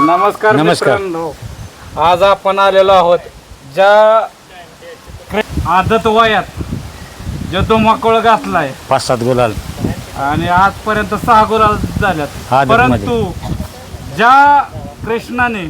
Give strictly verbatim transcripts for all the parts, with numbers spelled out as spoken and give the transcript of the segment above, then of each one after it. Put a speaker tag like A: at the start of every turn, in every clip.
A: नमस्कार
B: नमस्कार.
A: मित्रांनो, आज आपण आलेलो आहोत ज्या आदत वयात जो तो मकळ घातलाय
B: पाच सात गुलाल
A: आणि आजपर्यंत सहा गुलाल झाल्यात.
B: आदतमध्ये.
A: परंतु ज्या कृष्णाने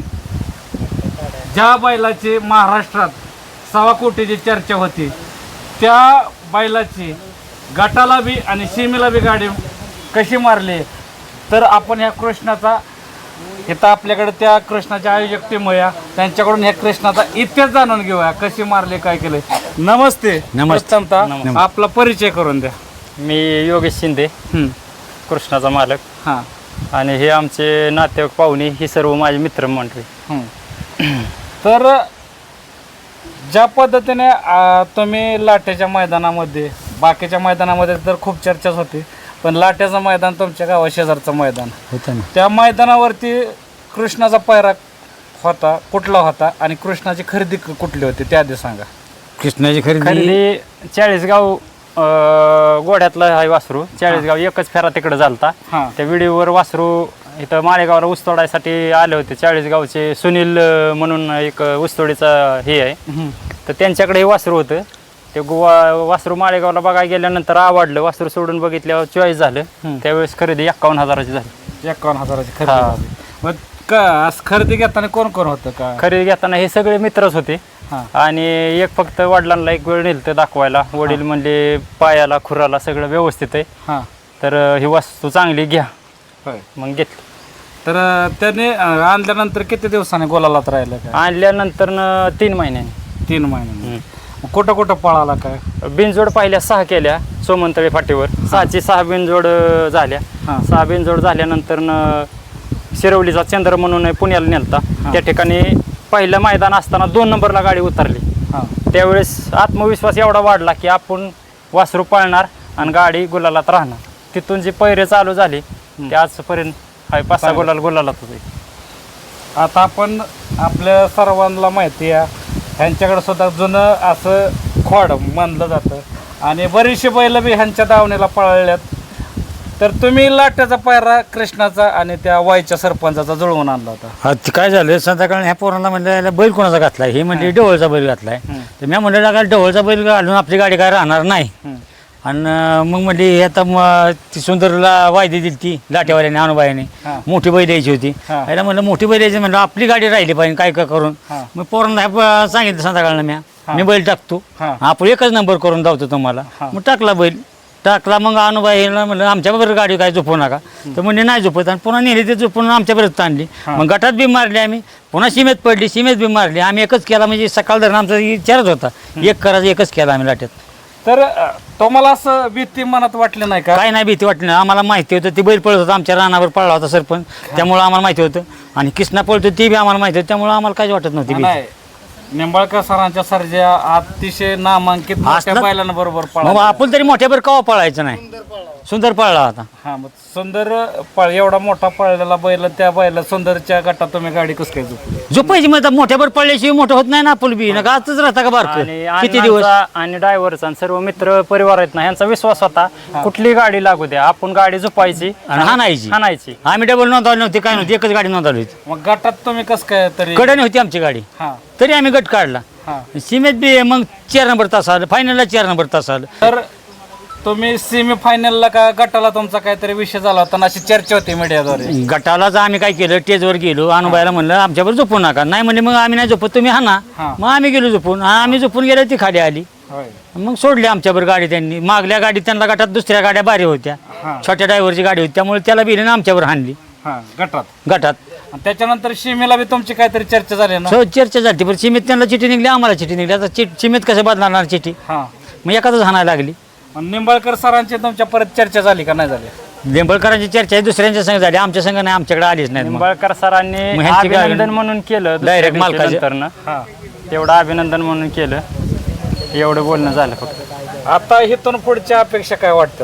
A: ज्या बैलाची महाराष्ट्रात सव्वा कोटीची चर्चा होती त्या बैलाची गटाला बी आणि सीमेला बी गाडी कशी मारली, तर आपण ह्या कृष्णाचा इथं आपल्याकडे त्या कृष्णाच्या आयोजक टीम आहे, त्यांच्याकडून ह्या कृष्णाचा इतिहास जाणून घेऊया, कशी मारले काय केले. नमस्ते.
B: नमस्ते.
A: प्रथमतः
B: नमस्ते.
A: आपला परिचय करून द्या.
C: मी योगेश शिंदे,
A: हं.
C: कृष्णाचा मालक.
A: हां.
C: आणि हे आमचे नातेवाईक पाहुणे, ही सर्व माझे मित्र मंडळी.
A: हं. तर ज्या पद्धतीने आ, तुम्ही लाटेच्या मैदानामध्ये, बाकीच्या मैदानामध्ये तर खूप चर्चाच होती, पण लाट्याचं मैदान तुमच्या गावा शेजारचं मैदान
B: होतं ना. त्या
A: त्या मैदानावरती कृष्णाचा पायरा होता, कुठला होता आणि कृष्णाची खरेदी क- कुठली होती ते आधी सांगा.
B: कृष्णाची खरेदी
C: खरेदी चाळीसगाव अं, गोड्यातलं आहे वासरू. चाळीसगाव एकच फेरा तिकडे झालता.
A: हां.
C: त्या व्हिडिओवर वासरू इथं माळेगावला ऊसतोडायसाठी आले होते. चाळीसगावचे सुनील अं, म्हणून एक ऊसतोडीचा हे आहे,
A: हं.
C: तर त्यांच्याकडे हे वासरू होतं. ते गोवा वासरू माळेगावला बघायला गेल्यानंतर आवडलं, वासरू सोडून बघितल्यावर चॉईस झालं.
A: हं.
C: त्यावेळेस खरेदी एक्कावन्न हजाराची झाली.
A: एकावन्न हजाराची खरेदी
C: हां.
A: झाली. मग का असं खरेदी घेताना कोण कोण होतं का?
C: खरेदी घेताना हे सगळे मित्रच होते.
A: हां.
C: आणि एक फक्त वडिलांना एक वेळ नेलं दाखवायला. वडील म्हणले पायाला खुराला सगळं व्यवस्थित आहे,
A: हां.
C: तर अं, ही वस्तू चांगली घ्या.
A: होय.
C: मग घेतली.
A: तर अं, त्याने अं, आणल्यानंतर किती दिवसाने गोलालात राहिलं काय?
C: आणल्यानंतर न तीन महिन्यांनी
A: तीन महिन्याने. मग कुठं कुठं पळाला काय?
C: बिनजोड पाहिल्या सहा केल्या सोमंतळे फाटीवर. सहाची सहा बिनजोड अं, झाल्या.
A: हां.
C: सहा बिनजोड झाल्यानंतर न शिरवलीचा चंद्र म्हणून आहे, पुण्याला नेलता. त्या ठिकाणी पहिलं मैदान असताना दोन नंबरला गाडी उतरली.
A: हां.
C: त्यावेळेस आत्मविश्वास एवढा वाढला की आपण वासरू पळणार आणि गाडी गुलालात राहणार. तिथून जी पैरे चालू झाली ते आजपर्यंत हाय पाच सहा गुलाल गुलालात होते.
A: आता आपण आपल्या सर्वांना माहिती आहे, ह्यांच्याकडे सुद्धा जुनं असं खोड मानलं जातं आणि बरीचशी बैल बी ह्यांच्या दावणीला पळाल्यात. तर तुम्ही लाट्याचा पायरा कृष्णाचा आणि त्या वाईच्या सरपंचाचा जुळवून आणला होता.
B: हा, ते काय झालं संध्याकाळी ह्या पोरांना म्हणलं याला बैल कोणाचा घातलाय, हे म्हणजे डवळचा बैल घातलाय.
A: हं.
B: तर मी म्हणलं लागा डवळचा बैल घालून आपली गाडी काय राहणार नाही.
A: हं.
B: आणि मग म्हणली हे आता म- ती सुंदरला वायदी दिली ती लाटेवाल्याने अनुबाईने,
A: हां.
B: मोठी बैल द्यायची होती.
A: हां.
B: याला म्हणलं मोठी बैल द्यायची, म्हणलं आपली गाडी राहिली पाहिजे काय काय करून.
A: हां.
B: मग पोरांना हे प- सांगितलं संध्याकाळला मी
A: हां.
B: मी बैल टाकतो,
A: हां.
B: आपण एकच नंबर करून धावतो तुम्हाला.
A: हां.
B: मग टाकला बैल. टाकला मग अनुबाईला म्हणलं आमच्याबरोबर गाडी काय झोपवू नका, तर म्हणजे नाही झोपत. आणि पुन्हा नेली ते झोपून आमच्याबरोबर आणली.
A: हां.
B: मग गटात बी मारली आम्ही, पुन्हा सीमेत पडली, सीमेत बी मारली. आम्ही एकच केला, म्हणजे सकाळ धरण आमचा विचारच होता एक करायचं, एकच केला आम्ही लाट्यात.
A: तर अं, तुम्हाला असं भीती मनात वाटलं नाही का?
B: काय नाही भीती वाटली नाही आम्हाला. माहिती होतं ती बैल पळत होता, आमच्या रानावर पळला होता सरपंच, त्यामुळे आम्हाला माहिती होतं. आणि कृष्णा पळतो ती बी आम्हाला माहिती होती, त्यामुळे आम्हाला काहीच वाटत नव्हती भीती.
A: नाही, निंबाळकर सरांच्या सर्जा अतिशय नामांकित मोठ्या
B: असलं-
A: बैलांबरोबर
B: मग
A: पळा.
B: आपण तरी मोठ्यावर कवा पळायचं नाही. सुंदर पळला होता.
A: हा, मग सुंदर पळ एवढा मोठा पळलेला बैल, त्या बैला सुंदरच्या गटात तुम्ही गाडी कसं काय झोपली?
B: झोपायची मग आता मोठ्यावर पळल्याशिवाय मोठं होत नाही ना आपण बी. नका आजच राहता का बारक
C: आणि
B: किती दिवस.
C: अण्णांचा आणि ड्रायव्हरचा आणि सर्व मित्र परिवार आहेत ना, ह्यांचा विश्वास होता कुठली गाडी लागू द्या, आपण गाडी झोपायची
B: आणि हाणायची.
C: हाणायची.
B: आम्ही डबल नोंदवली नव्हती, काय नव्हती, एकच गाडी नोंदवली होती.
A: मग गटात तुम्ही कसं काय तरी?
B: कडेने होती आमची गाडी,
A: हा.
B: तरी आम्ही गट काढला.
A: हा.
B: सीमेत बी मग चार नंबर तास आलं, फायनलला चार नंबर तास आलं.
A: तर तुम्ही सेमी फायनलला का गटाला तुमचा काहीतरी विषय झाला होता ना, अशी चर्चा होती मीडियाद्वारे.
B: गटालाच आम्ही काय केलं, टेजवर गेलो, अनुबाईला म्हणलं आमच्यावर झोपू नका. नाही म्हणजे मग आम्ही नाही झोपत, तुम्ही हाना.
A: हा.
B: मग आम्ही गेलो झोपून. हा, आम्ही झोपून गेलो, ती खाली आली.
A: होय.
B: मग सोडली आमच्यावर गाडी त्यांनी. मागल्या गाडीत त्यांना गटात दुसऱ्या गाड्या भारी होत्या,
A: हा.
B: छोट्या ड्रायव्हरची गाडी होती, त्यामुळे त्याला बिले आमच्यावर हाणली
A: हा, गटात.
B: गटात.
A: आणि त्याच्यानंतर सीमेला बी तुमची काहीतरी चर्चा झाली ना?
B: सो चर्चा झाली, पण चिमेत त्यांना चिठी निघली, आम्हाला चिठी निघली. आता चि चिमेत कसं बदलणार चिठी,
A: हा.
B: मग एखादंच हाणायला लागली.
A: आणि निंबाळकर सरांची तुमच्या परत चर्चा झाली का नाही झाली?
B: लिंबळकरांची चर्चा आहे दुसऱ्यांच्या संघ झाली, आमच्या संघ नाही, आमच्याकडे आलीच नाही.
C: निंबाळकर सरांनी
B: मग ह्यांची गाडी-
C: अभिनंदन म्हणून केलं
B: Direct मालकाचे.
C: नंतर
A: हा.
C: तेवढं अभिनंदन म्हणून केलं, एवढं बोलणं झालं फक्त.
A: आता इथून पुढच्या अपेक्षा काय वाटतात?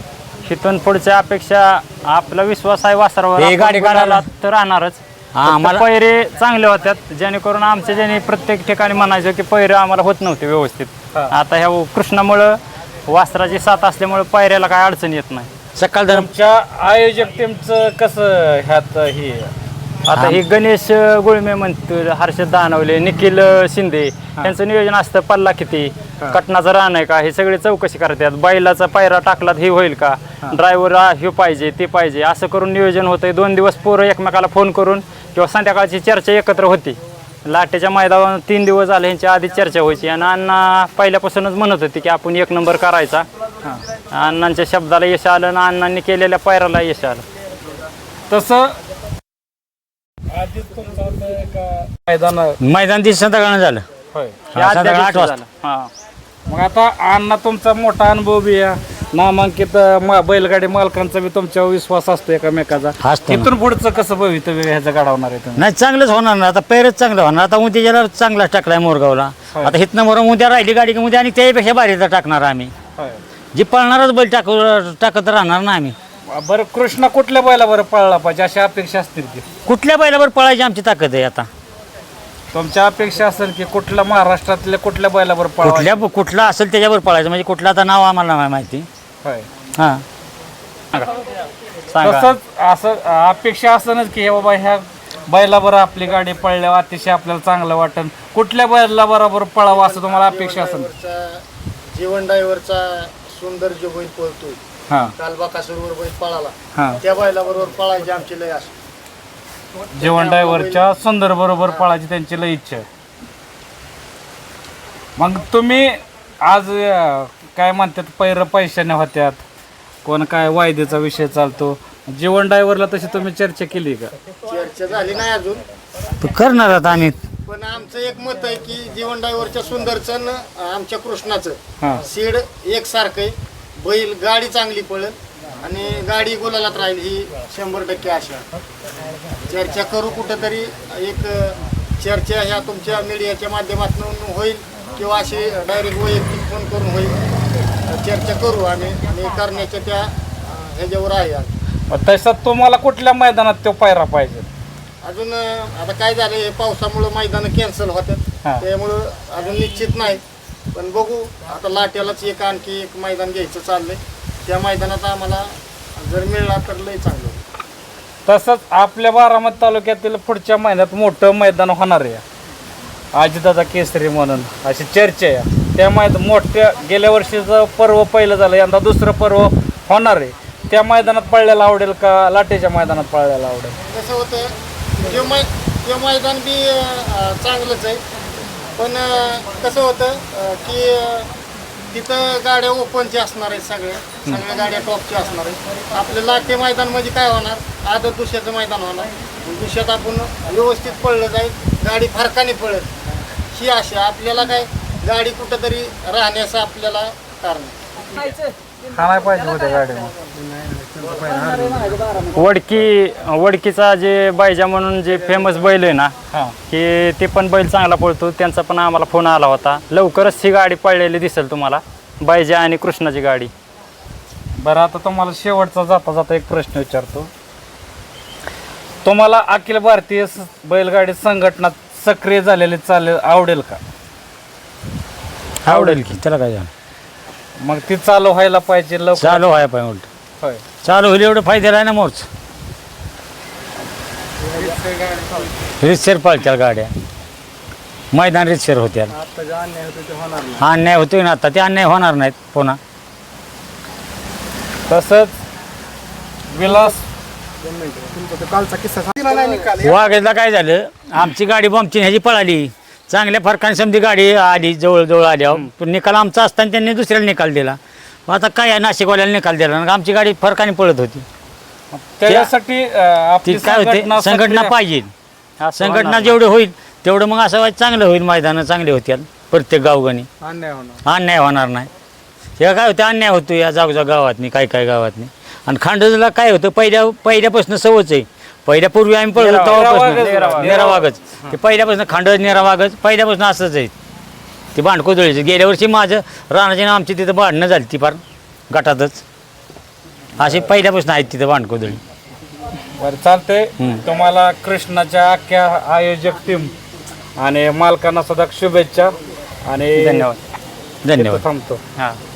C: इथून पुढच्या अपेक्षा आपला विश्वास आहे वासरावर,
B: हे
C: आपण
B: गाडी काढायला-
C: गुलालात तर राहणारच.
B: हा,
C: फक्त
B: आम्हाला-
C: पैरे चांगले होत्यात, जेणेकरून आमच्या ज्याने प्रत्येक ठिकाणी म्हणायचं की पैरे आम्हाला होत नव्हते व्यवस्थित.
A: हा.
C: आता ह्या कृष्णामुळं वासराची साथ असल्यामुळे पैऱ्याला काय अडचण येत नाही.
B: सकाळ धरण
A: तुमच्या आयोजक टीमचं कसं ह्यात हे
C: आता हे गणेश गुळमे म्हणतो, हर्षद दानवले, निखिल शिंदे यांचं नियोजन असतं. पल्ला किती, कटनाचं रान आहे का, हे सगळे चौकशी करतात. बैलाचा पायरा टाकला हे होईल का, ड्रायव्हर हे पाहिजे ते पाहिजे, असं करून नियोजन होतंय. दोन दिवस पोरं एकमेकाला फोन करून किंवा संध्याकाळची चर्चा एकत्र होती. लाटेच्या मैदानावर तीन दिवस झाले ह्यांच्या आधी चर्चा व्हायची आणि अण्णा पहिल्यापासूनच म्हणत होते की आपण एक नंबर करायचा. अण्णांच्या शब्दाला यश आलं आणि अण्णांनी केलेल्या पायराला यश आलं.
A: तसं आधीच तुमचं होतं का मैदान
B: मैदान दिवस संध्याकाळनं झालं.
A: होय.
C: हे
B: हा,
C: आदल्या
B: संध्याकाळी आठ
C: दिवशी
B: वाजता.
C: झालं. हा.
A: मग आता अण्णा तुमचा मोठा अनुभव बी आहे, नामांकित म- बैलगाडी मालकांचा बी तुमच्यावर विश्वास असतो एकामेकाचा.
B: असतो ना.
A: इथून पुढचं कसं भवितव्य ह्याचं घडवणार आहे तुम्ही?
B: नाही चांगलंच होणार ना, आता पैरच चांगलं होणार. आता उद्याला चांगलाच टाकलाय मोरगावला.
A: होय.
B: आता हिथनं मोर उद्या राहिली गाडी की उद्या आणि त्यापेक्षा भारीचा टाकणार आम्ही.
A: होय.
B: जी पळणारच बैल टाकू टाकत राहणार ना आम्ही.
A: बरं कृष्णा कुठल्या बैला बरं पळला पाहिजे अशी अपेक्षा असतील की
B: कुठल्या बैलावर पळायची आमची ताकद आहे. आता
A: तुमच्या अपेक्षा असेल की कुठल्या महाराष्ट्रातल्या कुठल्या बैलावर पळवा?
B: कुठल्या कुठला असेल त्याच्यावर पळायचं, म्हणजे कुठलं आता नाव आम्हाला नाही माहिती.
A: होय.
B: हां
C: सांगा.
A: तसंच असं अपेक्षा असणच की हे बाबा ह्या बैला बरं आपली गाडी पळल्यावर अतिशय आपल्याला चांगलं वाटेल, कुठल्या बैला बरोबर पळावं असं तुम्हाला अपेक्षा असेल?
D: जीवन ड्रायव्हरचा सुंदर जो बैल पळतोय,
A: हां
D: काल बाकासूरवर बैल पळाला,
A: हां
D: त्या बैला बरोबर पळायची आमची लय असते.
A: जेवण ड्रायव्हरच्या सुंदर बरोबर पळायची त्यांची लई इच्छा आहे. मग तुम्ही आज अं, काय म्हणतात पैर पैशाने होत्यात, कोण काय वायदेचा विषय चालतो, जेवण ड्रायव्हरला तशी तुम्ही चर्चा केली का?
D: चर्चा झाली नाही अजून,
B: तर करणार आता आम्ही.
D: पण आमचं एक मत आहे की जीवन ड्रायव्हरच्या सुंदरचं न आमच्या कृष्णाचं
A: हां
D: सीड एकसारखं आहे. बैल गाडी चांगली पळेल आणि गाडी गुलालात राहील ही शंभर टक्के आशा. चर्चा करू कुठंतरी, एक चर्चा ह्या तुमच्या मीडियाच्या माध्यमातून होईल किंवा अशी डायरेक्ट वैयक्तिक फोन करून होईल. चर्चा करू आम्ही आणि करण्याच्या त्या अं, ह्याच्यावर आहे.
A: मग तसं तुम्हाला कुठल्या मैदानात तो पायरा पाहिजे?
D: अजून अं, आता काय झालं, हे पावसामुळं मैदानं कॅन्सल होतात,
A: हां.
D: त्यामुळं अजून निश्चित नाही. पण बघू आता लाट्यालाच एक आणखी एक मैदान घ्यायचं चाललंय. त्या मैदानात आम्हाला जर मिळला तर लय चांगलं.
A: तसंच आपल्या बारामती तालुक्यातील पुढच्या महिन्यात मोठं मैदान होणार आहे अजितदादा केसरी म्हणून, अशी चर्चा आहे. त्या मैदान मोठ्या गेल्या वर्षीचं पर्व पहिलं झालं, यंदा दुसरं पर्व होणार आहे. त्या मैदानात पळल्याला आवडेल का लाटेच्या मैदानात पळल्याला आवडेल?
D: कसं होतं, ते मै ते मैदान बी अं, चांगलंच आहे. पण अं, कसं होतं अं, की अं, तिथं गाड्या ओपनच्या असणार आहेत, सगळ्या सगळ्या गाड्या टॉपच्या असणार आहेत. आपलं लाटे मैदान म्हणजे काय होणार, आदत दुसऱ्याचं मैदान होणार. दुसऱ्यात आपण व्यवस्थित पळलं जाईल, गाडी फरकाने पळत ही आशा. आपल्याला काय गाडी कुठंतरी राहण्याचं आपल्याला कारण आहे.
A: हा नाही पाहिजे होत्या गाडी.
C: वडकी वडकीचा जे बायजा म्हणून जे फेमस बैल आहे ना,
A: हां
C: की ते पण बैल चांगला पळतो. त्यांचा पण आम्हाला फोन आला होता. लवकरच ही गाडी पळलेली दिसेल तुम्हाला, बायजा आणि कृष्णाची गाडी.
A: बरं आता तुम्हाला शेवटचा जाता जाता एक प्रश्न विचारतो. तुम्हाला अखिल भारतीय स- बैलगाडी संघटना सक्रिय झालेली चालेल आवडेल का?
B: आवडेल की, त्याला काय झालं.
A: मग ती चालू व्हायला पाहिजे लवकर.
B: चालू आहे पाहिजे उलट.
A: होय.
B: चालू होईल एवढं फायद्याला आहे ना मोर्च. रितसर पळत्या गाड्या, मैदान रितसर होत्या. अन्याय होतोय ना आता, ते अन्याय होणार नाहीत पुन्हा.
A: तसंच विलास
B: वाघेला काय झालं, आमची गाडी बॉम्बची ह्याची पळाली, चांगल्या फरकाने समधी गाडी आली जवळजवळ आल्यावर. पण निकाल आमचा असताना त्यांनी दुसऱ्याला निकाल दिला. मग आता काय आहे, नाशिकवाल्याला निकाल दिला आणि आमची गाडी फरकाने पळत होती.
A: त्याच्यासाठी अं,
B: ती
A: आपली
B: काय होते,
A: संघटना
B: संघटना
A: सक्रिय-
B: पाहिजे.
C: असं
B: संघटना
C: होणार
B: जेवढं होईल तेवढं मग असं व्हायचं चांगलं होईल, मैदानं चांगली होत्या प्रत्येक गावगानी, अन्याय होणार नाही. हे काय होतं, अन्याय होतो या जागोजाग गावातनी, काय काय गावातनी. आणि खांडोजीला काय होतं, पहिल्या पहिल्यापासून सवच आहे. पहिल्यापूर्वी आम्ही पळतो
A: नेरा-
B: तेव्हापासून
A: नेरा वाघच.
B: नेरा वाघच, ते पहिल्यापासून खांडोज नेरा वाघच पहिल्यापासून असंच आहे. ते भांडकोदळीचं गेल्या वर्षी माझं राणाची नाव आमची तिथं भांडणं झाली ती फार गटातच. असे पहिल्यापासून आहेत तिथं भांडकोदळी.
A: बरं चालतंय.
B: हम्म.
A: तुम्हाला कृष्णाच्या अख्ख्या आयोजक टीम आणि मालकांना सुद्धा शुभेच्छा आणि
C: धन्यवाद.
B: धन्यवाद.
A: थांबतो.
C: हां.